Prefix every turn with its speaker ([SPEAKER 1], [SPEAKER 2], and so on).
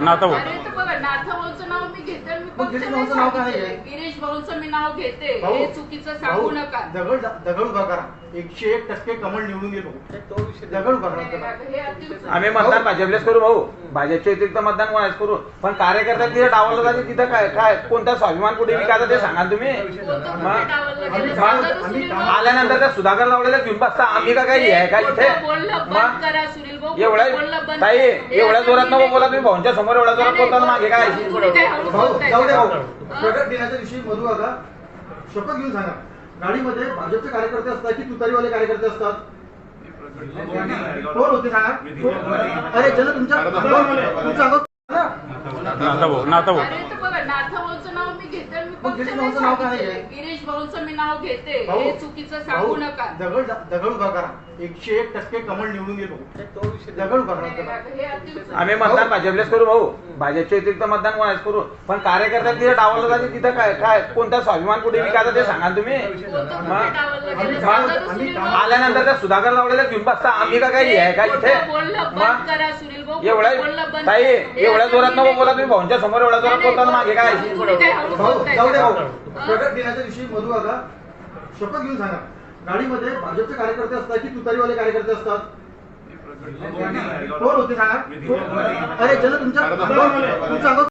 [SPEAKER 1] नाथभाऊ.
[SPEAKER 2] अरे तर बघा नाथभाऊचं नाव मी घेते आणि मी
[SPEAKER 3] मग गिरीश
[SPEAKER 2] पक्षाने
[SPEAKER 3] भाऊचं नाव काय
[SPEAKER 2] सांगितलंय.
[SPEAKER 3] आहे?
[SPEAKER 2] गिरीश भाऊचं मी नाव घेते
[SPEAKER 3] भाऊ,
[SPEAKER 2] हे चुकीचं सांगू नका.
[SPEAKER 3] दगड उभा करा. 101% कमळ निवडून गेलो. दगड उभा करा.
[SPEAKER 2] हे अतिउत्तम.
[SPEAKER 4] आम्ही मतदान भाजपलेच करू भाऊ. भाजपच्या व्यतिरिक्त मतदान कोणाच करू. पण कार्यकर्ता तिथे डावलं जाते तिथं काय काय कोणता स्वाभिमान कुठे विकायचा ते सांगा तुम्ही.
[SPEAKER 2] कोणतं
[SPEAKER 4] मग
[SPEAKER 2] कुठे डावललं गेलं?
[SPEAKER 3] आम्ही-
[SPEAKER 2] सांगा
[SPEAKER 3] आम्ही-
[SPEAKER 2] सुनील भाऊ.
[SPEAKER 4] आल्यानंतर त्या सुधाकर लावलेल्या घेऊन बसता आम्ही का काही आहे का इथे.
[SPEAKER 2] खोटं बोलणं बंद
[SPEAKER 4] मग
[SPEAKER 2] करा सुनील भाऊ.
[SPEAKER 4] एवढ्या
[SPEAKER 2] खोटं बोलणं बंद
[SPEAKER 4] ताई
[SPEAKER 2] करा. हे
[SPEAKER 4] एवढ्या
[SPEAKER 2] आता
[SPEAKER 4] जोरात
[SPEAKER 2] मी
[SPEAKER 4] नको
[SPEAKER 2] नाही-
[SPEAKER 4] बोला तुम्ही भाऊंच्या समोर एवढ्या जोरात
[SPEAKER 2] नाही,
[SPEAKER 4] बोलताना मागे काय
[SPEAKER 2] नाही, तुम्ही काय हळू
[SPEAKER 3] भाऊ
[SPEAKER 2] बोलताय?
[SPEAKER 3] जाऊ द्या भाऊ.
[SPEAKER 2] हा?
[SPEAKER 3] प्रगट दिनाच्या दिवशी मधु काका शपथ घेऊन सांगा. गाडीमध्ये भाजपचे कार्यकर्ते असतात की तुतारीवाले कार्यकर्ते असतात? कोण होते सांगा. अरे चला तुमच्या अंगात ना.
[SPEAKER 1] नाथभाऊ.
[SPEAKER 2] अरे तर बघा नाथभाऊचं नाव मी घेते आणि मी
[SPEAKER 3] मग गिरीश
[SPEAKER 2] पक्षाने
[SPEAKER 3] भाऊचं नाव काय
[SPEAKER 2] सांगितलंय.
[SPEAKER 3] आहे?
[SPEAKER 2] गिरीश भाऊचं मी नाव घेते
[SPEAKER 3] भाऊ,
[SPEAKER 2] हे चुकीचं सांगू नका.
[SPEAKER 3] दगड उभा करा. 101% कमळ निवडून गेलो. दगड उभा करा.
[SPEAKER 2] हे अतिउत्तम.
[SPEAKER 4] आम्ही मतदान भाजपलेच करू भाऊ. भाजपच्या व्यतिरिक्त मतदान कोणाच करू. पण कार्यकर्ता तिथे डावलं जाते तिथं काय काय कोणता स्वाभिमान कुठे विकायचा ते सांगा तुम्ही.
[SPEAKER 2] कोणतं
[SPEAKER 4] मग
[SPEAKER 2] कुठे डावललं गेलं?
[SPEAKER 3] आम्ही-
[SPEAKER 2] सांगा
[SPEAKER 3] आम्ही-
[SPEAKER 2] सुनील भाऊ.
[SPEAKER 4] आल्यानंतर त्या सुधाकर लावलेल्या घेऊन बसता आम्ही का काही आहे का इथे.
[SPEAKER 2] खोटं बोलणं बंद
[SPEAKER 4] मग
[SPEAKER 2] करा सुनील भाऊ.
[SPEAKER 4] एवढ्या
[SPEAKER 2] खोटं बोलणं बंद
[SPEAKER 4] ताई
[SPEAKER 2] करा. हे
[SPEAKER 4] एवढ्या
[SPEAKER 2] आता
[SPEAKER 4] जोरात
[SPEAKER 2] मी
[SPEAKER 4] नको
[SPEAKER 2] नाही-
[SPEAKER 4] बोला तुम्ही भाऊंच्या समोर एवढ्या जोरात बोलताना मागे काय
[SPEAKER 2] तुम्ही काय हळू
[SPEAKER 3] भाऊ
[SPEAKER 2] बोलताय?
[SPEAKER 3] जाऊ द्या भाऊ.
[SPEAKER 2] हा?
[SPEAKER 3] प्रगट दिनाच्या दिवशी मधु काका शपथ घेऊन सांगा. गाडीमध्ये भाजपचे कार्यकर्ते असतात की तुतारीवाले कार्यकर्ते असतात? कोण होते सांगा. अरे चला तुमच्या अंगात